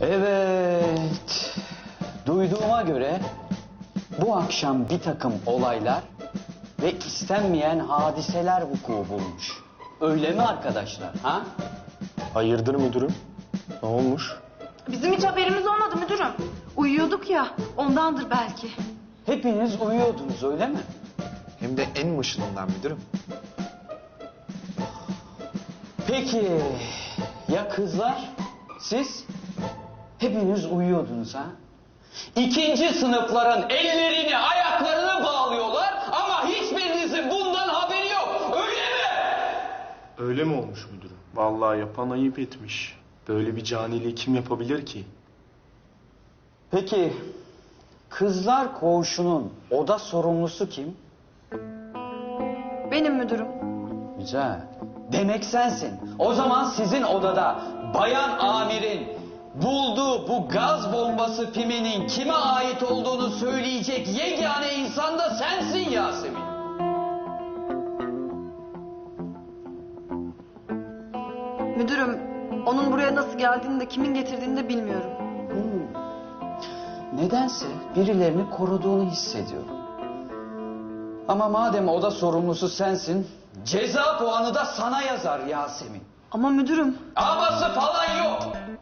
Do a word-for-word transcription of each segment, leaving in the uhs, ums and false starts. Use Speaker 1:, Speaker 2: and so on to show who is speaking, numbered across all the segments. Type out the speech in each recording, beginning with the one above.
Speaker 1: Evet. Duyduğuma göre bu akşam bir takım olaylar ve istenmeyen hadiseler vuku bulmuş. Öyle mi arkadaşlar? Ha?
Speaker 2: Hayırdır müdürüm? Ne olmuş?
Speaker 3: Bizim hiç haberimiz olmadı müdürüm. Uyuyorduk ya, ondandır belki.
Speaker 1: Hepiniz uyuyordunuz öyle mi?
Speaker 4: Hem de en başından müdürüm.
Speaker 1: Peki ya kızlar? Siz? Hepiniz uyuyordunuz ha? İkinci sınıfların ellerini ayaklarını bağlıyorlar ama hiçbirinizin bundan haberi yok. Öyle mi?
Speaker 2: Öyle mi olmuş müdürüm? Vallahi yapan ayıp etmiş. Böyle bir caniliği kim yapabilir ki?
Speaker 1: Peki kızlar koğuşunun oda sorumlusu kim?
Speaker 3: Benim müdürüm.
Speaker 1: Güzel. Demek sensin. O zaman sizin odada bayan amirin bulduğu bu gaz bombası piminin kime ait olduğunu söyleyecek yegane insan da sensin Yasemin.
Speaker 3: Müdürüm, onun buraya nasıl geldiğini de kimin getirdiğini de bilmiyorum.
Speaker 1: Hmm. Nedense birilerini koruduğunu hissediyorum. Ama madem oda sorumlusu sensin, ceza puanı da sana yazar Yasemin.
Speaker 3: Ama müdürüm,
Speaker 1: Aması falan yok.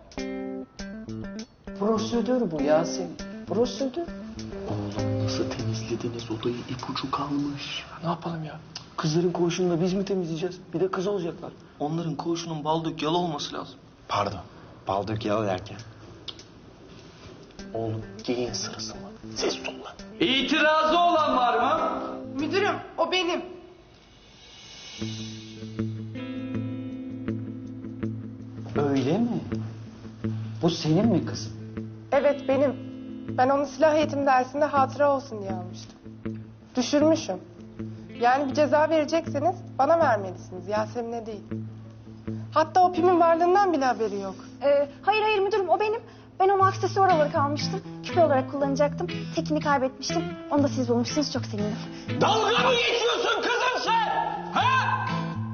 Speaker 1: Prosedür bu Yasemin. Prosedür.
Speaker 2: Oğlum nasıl temizlediniz odayı, ipucu kalmış. Ne yapalım ya? Kızların koğuşunu biz mi temizleyeceğiz? Bir de kız olacaklar. Onların koğuşunun bal dök yalı olması lazım.
Speaker 4: Pardon. Bal dök yalı derken.
Speaker 2: Oğlum geyin sırası mı? Ses ol lan.
Speaker 1: İtirazı olan var mı?
Speaker 3: müdürüm o benim.
Speaker 1: Öyle mi? Bu senin mi kızım?
Speaker 5: Evet benim. Ben onu silah eğitim dersinde hatıra olsun diye almıştım. Düşürmüşüm. Yani bir ceza verecekseniz bana vermelisiniz, Yasemin'e değil. Hatta o pimin varlığından bile haberi yok.
Speaker 6: Ee, hayır hayır müdürüm o benim. Ben onu aksesuar olarak almıştım. Küpe olarak kullanacaktım. Tekini kaybetmiştim. Onu da siz bulmuşsunuz. Çok sevindim.
Speaker 1: Dalga mı geçiyorsun kızım sen? Ha?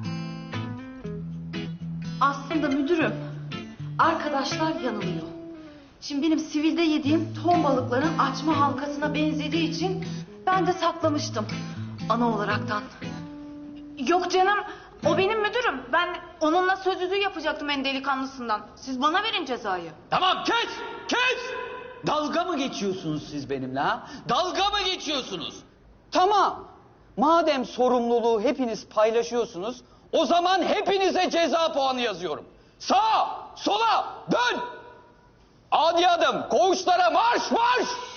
Speaker 3: Aslında müdürüm, arkadaşlar yanılıyor. Şimdi benim sivilde yediğim ton balıkların açma halkasına benzediği için ben de saklamıştım ana olaraktan. Yok canım, o benim müdürüm. Ben onunla söz yüzüğü yapacaktım en delikanlısından. Siz bana verin cezayı.
Speaker 1: Tamam kes, kes. Dalga mı geçiyorsunuz siz benimle ha? Dalga mı geçiyorsunuz? Tamam. Madem sorumluluğu hepiniz paylaşıyorsunuz, o zaman hepinize ceza puanı yazıyorum. Sağa, sola, dön. Adi adım, koğuşlara marş marş.